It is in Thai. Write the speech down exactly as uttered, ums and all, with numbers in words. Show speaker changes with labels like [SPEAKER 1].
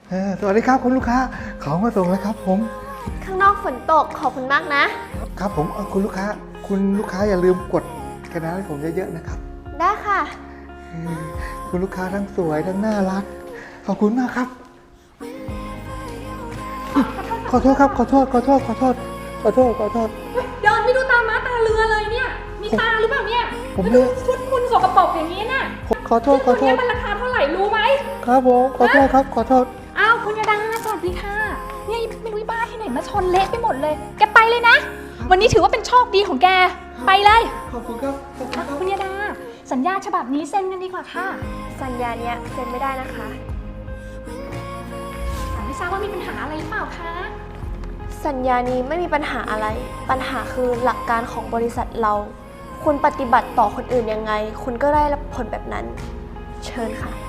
[SPEAKER 1] สวัสดีครับคุณลูกค้าของมาส่งแล้วครับผม
[SPEAKER 2] ข้างนอกฝนตกขอบคุณมากนะ
[SPEAKER 1] ครับผมคุณลูกค้าคุณลูกค้าอย่าลืมกดกระดาษให้ผมเยอะๆนะครับ
[SPEAKER 2] ได้ค่ะ
[SPEAKER 1] คุณลูกค้าทั้งสวยทั้งน่ารักขอบคุณมากครับขอโทษครับขอโทษขอโทษขอโทษขอโทษขอโทษ
[SPEAKER 3] เดินไม่ดูตาม้าตาเรือเลยเนี่ยมีตาหรือเปล่าเนี่ย
[SPEAKER 1] ผม
[SPEAKER 3] ดูชุดคุณสกปรกอย่างนี้น่ะ
[SPEAKER 1] ขอโทษขอโทษ
[SPEAKER 3] มันราคาเท่าไหร่รู้ไหม
[SPEAKER 1] ครับผมขอโทษครับขอโทษ
[SPEAKER 3] อ้าวคุณยาดาสวัสดีค่ะเนี่ยไม่รู้บ้าที่ไหนมาชนเละไปหมดเลยแกไปเลยนะวันนี้ถือว่าเป็นโชคดีของแกไปเลย
[SPEAKER 1] ขอบคุณครับขอบคุณครับ
[SPEAKER 3] คุณยาดาสัญญาฉบับนี้เซ็นกันดีกว่าค่ะ
[SPEAKER 2] สัญญาเนี้ยเซ็นไม่ได้นะคะ
[SPEAKER 3] ไม่ทราบว่ามีปัญหาอะไรหรือเปล่าคะ
[SPEAKER 2] สัญญานี้ไม่มีปัญหาอะไรปัญหาคือหลักการของบริษัทเราคุณปฏิบัติต่อคนอื่นยังไงคุณก็ได้รับผลแบบนั้นเชิญค่ะ